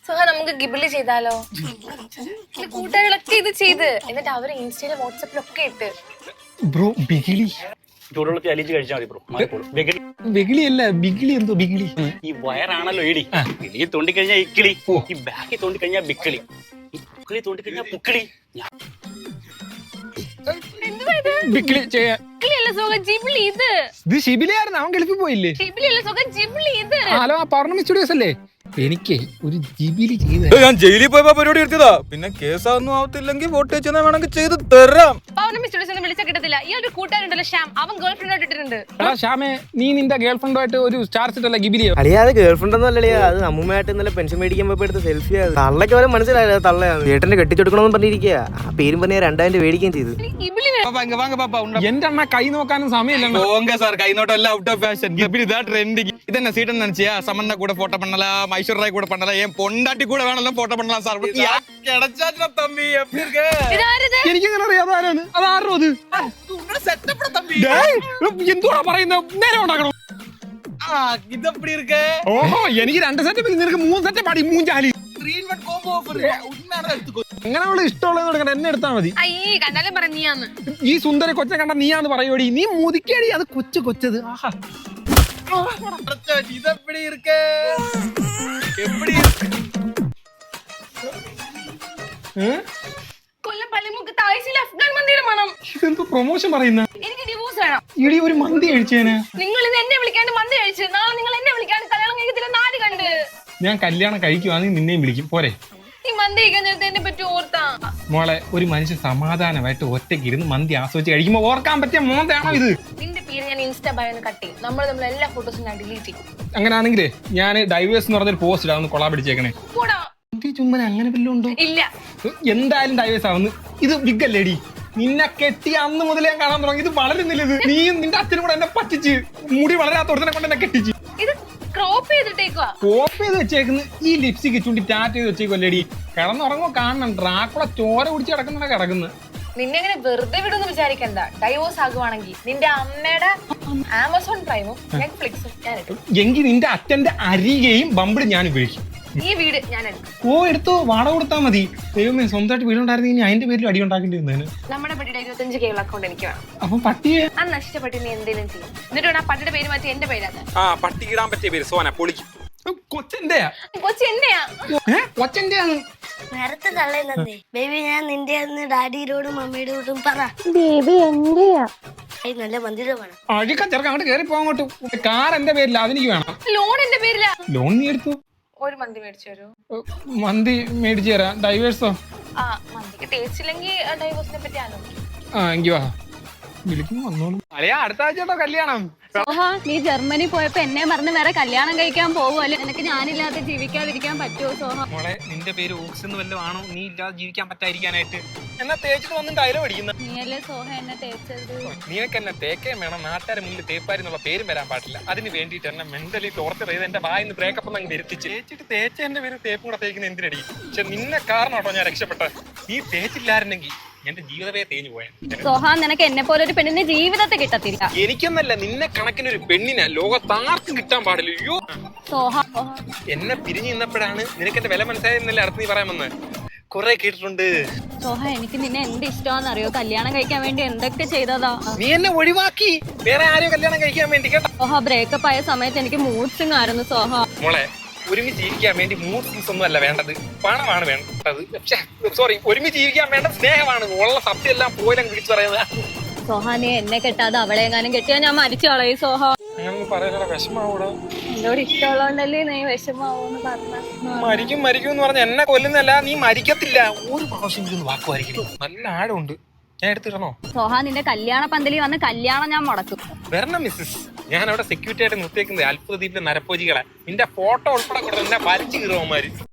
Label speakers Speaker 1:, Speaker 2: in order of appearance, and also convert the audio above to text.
Speaker 1: സുഹ നമുക്ക് ഗിബിളി ചെയ്താലോ? കൂട്ടുകാരികളൊക്കെ ഇത് ചെയ്ത് എന്നിട്ട് അവര് ഇൻസ്റ്റയിലും വാട്സാപ്പിലൊക്കെ ഇട്ട്.
Speaker 2: ബ്രോ ബിഗിളി
Speaker 3: ചൂടുവെള്ളത്തിൽ അലിച്ച് കഴിച്ചാൽ മതി ബ്രോ.
Speaker 2: ബിഗിളിയല്ല ബിഗിളി എന്തോ ബിഗിളി
Speaker 3: ഈ വയറാണല്ലോ ഇടി. ഇടി തോണ്ടിക്കഴിഞ്ഞാൽ ഇക്കിളി, ഈ ബാക്കി തോണ്ടിക്കഴിഞ്ഞാൽ ബിക്കിളി, ഈ പുക്കിളി തോണ്ടിക്കഴിഞ്ഞാൽ പുക്കിളി.
Speaker 2: ബിഗിളി ചെയ്യാൻ
Speaker 1: ഇത്
Speaker 2: ഷിബിലിയായിരുന്നു. അവൻ ഗൾഫിൽ പോയില്ലേ? ഹലോ, ആ പൗർണമി സ്റ്റുഡിയോസ് അല്ലേ? എനിക്ക് ഒരു ജിബിലി ചെയ്ത്
Speaker 4: ഞാൻ ജയിലിൽ പോയപ്പോ പരിപാടി എടുത്തതാ. പിന്നെ കേസൊന്നും ആവത്തില്ലെങ്കിൽ വോട്ട് വെച്ചാൽ വേണമെങ്കിൽ ചെയ്ത് തരാം.
Speaker 1: പൗർണമി സ്റ്റുഡിയോസ് വിളിച്ചാൽ കിട്ടത്തില്ല. ഈ ഒരു കൂട്ടുകാരുണ്ടല്ലോ ശ്യാം, അവൻ ഗേൾ ഫ്രണ്ട് ഇട്ടിട്ടുണ്ട്.
Speaker 2: എടാ ശ്യാമേ, നീ നിന്റെ ഗേൾ ഫ്രണ്ടുമായിട്ട് ഒരു സ്റ്റാർ സെറ്റല്ല ഗിബിലിയോ?
Speaker 5: അളിയാതെ ഗേൾ ഫ്രണ്ട് ഒന്നും അല്ലളിയാ, അത് അമ്മൂമ്മയായിട്ട് ഇന്നലെ പെൻഷൻ മേടിക്കാൻ പോയപ്പോ എടുത്ത സെൽഫിയാ. തള്ളക്ക് വരെ മനസ്സിലായില്ല തള്ളയാണ്. ചേട്ടന്റെ കെട്ടിച്ചെടുക്കണമെന്ന് പറഞ്ഞിരിക്കുക. ആ പേരും പറഞ്ഞ 2000 മേടിക്കുകയും ചെയ്തു.
Speaker 2: എന്റെ അണ്ണ കൈ നോക്കാനും സമയമില്ല
Speaker 4: സാർ കൈനോട്ടം എല്ലാം ഔട്ട് ഓഫ് ഫാഷൻ. ഇതാ ട്രെൻഡിങ്. ഇതെന്നെ സീറ്റ് നിனைச்சியா? സമന്ന കൂടെ ഫോട്ടോ பண்ணலாம், ஐஸ்வர்யா கூட பண்ணலாம், என் பொண்டாட்டி கூட வேணாலும் ഫോട്ടോ பண்ணலாம் സാർ. கிடைச்சாச்சா தம்பி? எப்படி இருக்கு?
Speaker 2: എനിക്കങ്ങനെ അറിയാതെ ആരാണ് അതാരോ അത്
Speaker 4: செட்டப்பட தம்பி.
Speaker 2: എന്തുവാ പറയുന്നത്? നേരെ ഉണ്ടാക്കണം.
Speaker 4: இது எப்படி இருக்கு?
Speaker 2: ഓഹോ, എനിക്ക് 2 സെറ്റ്, നിനക്ക് 3 സെറ്റ് പാടി മൂഞ്ചാലി.
Speaker 4: 3-in-1 combo offer. ഉണ്മയാണ് എടുത്തുക്കോ.
Speaker 2: അങ്ങനെ അവള് ഇഷ്ടമുള്ളത് എടുക്കണം, എന്നെ എടുത്താൽ മതി.
Speaker 1: അയ്യേ, കണ്ടാലും പറ നീയാന്ന്.
Speaker 2: ഈ സുന്ദര കൊച്ചെ കണ്ട നീയാന്ന് പറയോടി. നീ മുതിക്കേടി, അത് കൊച്ചത്. ആഹാ,
Speaker 4: இது எப்படி இருக்கு? எப்படி இருக்கு?
Speaker 1: കൊല്ലം പള്ളിമുക്ക് ആഴ്ചയിൽ അഫ്ഗാൻ മന്തിയുടെ മണം.
Speaker 2: ഇതെന്തോ പ്രൊമോഷൻ പറയുന്ന?
Speaker 1: എനിക്ക് ഡിവോഴ്സ് വേണം.
Speaker 2: ഇടി ഒരു മന്തി കഴിച്ചേനെ.
Speaker 1: നിങ്ങൾ ഇത് എന്നെ വിളിക്കാണ്ട് മന്തി കഴിച്ച്, നാളെ നിങ്ങൾ എന്നെ വിളിക്കാണ്ട് കല്യാണം കഴിക്കത്തില്ല. നാല് കണ്ട്
Speaker 2: ഞാൻ കല്യാണം കഴിക്കുവാണെങ്കിൽ നിന്നെയും വിളിക്കും പോരെ?
Speaker 1: ഈ മന്തി കഴിക്കാൻ നേരത്തെ എന്നെ പറ്റി ഓർത്താ.
Speaker 2: മോളെ, ഒരു മനുഷ്യൻ സമാധാനമായിട്ട് ഒറ്റയ്ക്ക് ഇരുന്ന് മന്തി ആസ്വദിച്ച് കഴിക്കുമ്പോ ഓർക്കാൻ പറ്റിയ മോന്താണോ ഇത്?
Speaker 1: നിന്റെ പേര് ഞാൻ ഇൻസ്റ്റാ ബയോന്ന് കട്ട് ചെയ്യും. നമ്മൾ തമ്മിൽ എല്ലാ ഫോട്ടോസും ഞാൻ ഡിലീറ്റ് ചെയ്യും.
Speaker 2: അങ്ങനെയാണെങ്കിലേ ഞാൻ ഡൈവേഴ്സ് എന്ന് പറഞ്ഞൊരു പോസ്റ്റ് ഇടാ, ഒന്ന് കൊളാ പിടിച്ചേക്കണേ.
Speaker 1: കൂടാ
Speaker 2: ചുമ്മന അങ്ങനെ വല്ലതും ഉണ്ടോ?
Speaker 1: ഇല്ല.
Speaker 2: എന്തായാലും ഡൈവേഴ്സ് ആവുന്നു. ഇത് ബിഗല്ലേടി. നിന്നെ കെട്ടി അന്ന് മുതലേ ഞാൻ കാണാൻ തുടങ്ങി. ഇത് വളരുന്നില്ല. ഇത് നീയും നിന്റെ അച്ഛനും കൂടെ എന്നെ പറ്റിച്ച് മുടി വളരാത്തോടത്തിനെ കൊണ്ട് എന്നെ കെട്ടിച്ച്.
Speaker 1: ഇത് ക്രോപ്പ് ചെയ്തിട്ടേക്കുവാ.
Speaker 2: കോപ്പ് ചെയ്ത് വെച്ചേക്കുന്നു. ഈ ലിപ്സ്റ്റിക് ചൂണ്ടി ടാറ്റ് ചെയ്ത് വെച്ചേക്കുമല്ലേടി. കിടന്നുറങ്ങുമ്പോ കാണണം ഡ്രാക്കുള ചോര കുടിച്ച് കിടക്കുന്ന കിടക്കുന്നത്.
Speaker 1: നിന്നെ അങ്ങനെ വെറുതെ വിടുന്ന് വിചാരിക്കണ്ട. ഡൈവോഴ്സ് ആകുവാണെങ്കിൽ നിന്റെ അമ്മയുടെ ആമസോൺ പ്രൈമും നെറ്റ്ഫ്ലിക്സും ഞാൻ എടുക്കും.
Speaker 2: എങ്കിൽ നിന്റെ അച്ഛന്റെ അരികെയും ബമ്പിൾ ഞാൻ ഉപയോഗിക്കും.
Speaker 1: ഈ വീട് ഞാൻ എടുക്കും.
Speaker 2: ഓ, എടുത്തോ, വാടക കൊടുത്താ മതി. ദൈവമേ, സ്വന്തമായിട്ട് വീടുണ്ടായിരുന്നെങ്കിൽ ഇനി അതിന്റെ പേരിൽ അടി ഉണ്ടാക്കേണ്ടി വന്നേന്.
Speaker 1: നമ്മുടെ പട്ടിയുടെ 25K അക്കൗണ്ട് എനിക്ക് വേണം.
Speaker 2: അപ്പൊ പട്ടിയെ
Speaker 1: ആ നഷ്ടപ്പെട്ട് നീ എന്തെങ്കിലും ചെയ്യും. എന്നിട്ട് വേണം ആ പട്ടിയുടെ പേര് മാറ്റി എന്റെ പേരാണ്.
Speaker 4: ആ പട്ടി ഇടാൻ പറ്റിയ പേര് സോന പൊളിക്കും.
Speaker 2: കൊച്ചന്റെയാ?
Speaker 1: കൊച്ചി എന്റെയാ.
Speaker 2: കൊച്ചന്റെയാണ്.
Speaker 6: നേരത്തെ തള്ളേ ബേബി, ഞാൻ നിന്റെ ഡാഡിയോടും മമ്മിയുടെ കൂട്ടും പറ.
Speaker 1: ബേബി എന്റെയാ.
Speaker 6: നല്ല മന്ദിരം വേണം.
Speaker 2: അഴിക്ക ചെറുക്ക അങ്ങോട്ട് കയറി പോകോട്ട്. കാർ എന്റെ പേരില്ല, അതെനിക്ക് വേണം.
Speaker 1: ലോൺ എന്റെ പേരിലാ.
Speaker 2: ലോൺ നീ എടുത്തു?
Speaker 1: ഒരു മന്തി മേടിച്ചു തരൂ.
Speaker 2: മന്തി മേടിച്ചു തരാം. ഡൈവേഴ്സോ?
Speaker 1: ആ, മന്തിക്ക് ടേസ്റ്റ് ഇല്ലെങ്കിൽ ഡൈവോഴ്സിനെ പറ്റി ആലോചിക്കും.
Speaker 2: ആ, എങ്കി വാ, വിളിക്കുന്നു വന്നോളൂ. അല്ലയാ, അടുത്ത ആഴ്ച കല്യാണം.
Speaker 7: സോഹ, നീ ജർമ്മനി പോയപ്പോ എന്നെ പറഞ്ഞ് വേറെ കല്യാണം കഴിക്കാൻ പോകുമല്ലോ. നിനക്ക് ഞാനില്ലാതെ ജീവിക്കാതിരിക്കാൻ പറ്റുമോ സോഹ?
Speaker 2: മോളെ, നിന്റെ പേര് ഓക്സ് എന്ന് വല്ലതും ആണോ? നീ ഇല്ലാതെ ജീവിക്കാൻ പറ്റാതിരിക്കാനായിട്ട് എന്നാ തേച്ചിട്ട് വന്ന് ഡയലോഗ് അടിക്കുന്ന?
Speaker 7: നീയല്ലേ സോഹ എന്നെ തേച്ചത്.
Speaker 2: നീനക്ക് എന്നെ തേക്കേ വേണം. നാട്ടുകാരെ മുന്നിൽ തേപ്പാരി എന്നുള്ള പേരും വരാൻ പാടില്ല. അതിന് വേണ്ടിയിട്ട് എന്നെ മെന്റലി ടോർച്ചർ ചെയ്ത് എന്റെ വായിന്ന് ബ്രേക്കപ്പ് അങ്ങ് വരുത്തിച്ച് തേച്ചിട്ട് തേച്ച എന്റെ പേര് തേപ്പ് കൂടെ തേക്കുന്ന എന്തിനടി? പക്ഷെ നിന്നെ കാരണം കേട്ടോ ഞാൻ രക്ഷപ്പെട്ടത്. നീ തേച്ചില്ലായിരുന്നെങ്കിൽ എന്റെ ജീവിതമേ തേഞ്ഞു പോയാ.
Speaker 7: സോഹ, നിനക്ക് എന്നെ പോലെ ഒരു പെണ്ണിന്റെ ജീവിതത്തെ കിട്ടത്തില്ല.
Speaker 2: എനിക്കൊന്നല്ല, നിന്നെ കണക്കിനൊരു പെണ്ണിനെ ലോകത്താർക്കും കിട്ടാൻ പാടില്ല. അയ്യോ
Speaker 7: സോഹ,
Speaker 2: എന്നെ പിരിഞ്ഞു നിന്നപ്പോഴാണ് നിനക്ക് എന്റെ വില മനസ്സിലായെന്നല്ലേ അടുത്ത് നീ പറയാൻ വന്ന്. കൊറേ കേട്ടിട്ടുണ്ട്.
Speaker 7: സോഹ, എനിക്ക് നിന്നെ എന്ത് ഇഷ്ടമാണെന്നറിയോ? കല്യാണം കഴിക്കാൻ വേണ്ടി എന്തൊക്കെ ചെയ്തതാ.
Speaker 2: നീ എന്നെ ഒഴിവാക്കി വേറെ ആരെയോ കല്യാണം കഴിക്കാൻ വേണ്ടി കേട്ടോ.
Speaker 7: സോഹ, ബ്രേക്കപ്പ് ആയ സമയത്ത് എനിക്ക് മൂഡ് സ്വിംഗ് ആയിരുന്നു സോഹ.
Speaker 2: മോളെ, ഒരുമിച്ച് ജീവിക്കാൻ വേണ്ടി മൂഡ് സ്വിങ്സ് ഒന്നും അല്ല വേണ്ടത്, പണമാണ് വേണ്ടത്. സോറി, ഒരുമിച്ച് ജീവിക്കാൻ വേണ്ട സ്നേഹമാണ്. ഉള്ള സത്യം എല്ലാം പോലും വിളിച്ചു പറയുന്നത്.
Speaker 7: സോഹ, നീ എന്നെ കെട്ടാതെ അവളെ എങ്ങാനും കെട്ടിയാ ഞാൻ മരിച്ചു കളയും സോഹ.
Speaker 2: അങ്ങനെ പറയാനുള്ള വിഷമാവൂടാ.
Speaker 7: എന്നോട് ഇഷ്ടമുള്ളതുകൊണ്ടല്ലേ നീ വിഷമാവൂന്ന് പറഞ്ഞ.
Speaker 2: മരിക്കും എന്ന് പറഞ്ഞ എന്നെ കൊല്ലുന്നല്ല, നീ മരിക്കത്തില്ല. ഒരു പ്രാവശ്യം വാക്കുമായിരിക്കും. നല്ല ആഴമുണ്ട്. ഞാൻ എടുത്തിടണോ?
Speaker 7: സോഹ, നിന്റെ കല്യാണ പന്തലിൽ വന്ന് കല്യാണം ഞാൻ മുടക്കും.
Speaker 2: വരണം മിസ്സസ്. ഞാൻ അവിടെ സെക്യൂരിറ്റി ആയിട്ട് നിർത്തിയേക്കുന്നത് അത്ഭുത ദ്വീപിലെ നരപ്പോജികളെ. നിന്റെ ഫോട്ടോ ഉൾപ്പെടെ കൊടുത്ത് എന്നെ വലിച്ചു കീറുവന്മാര്.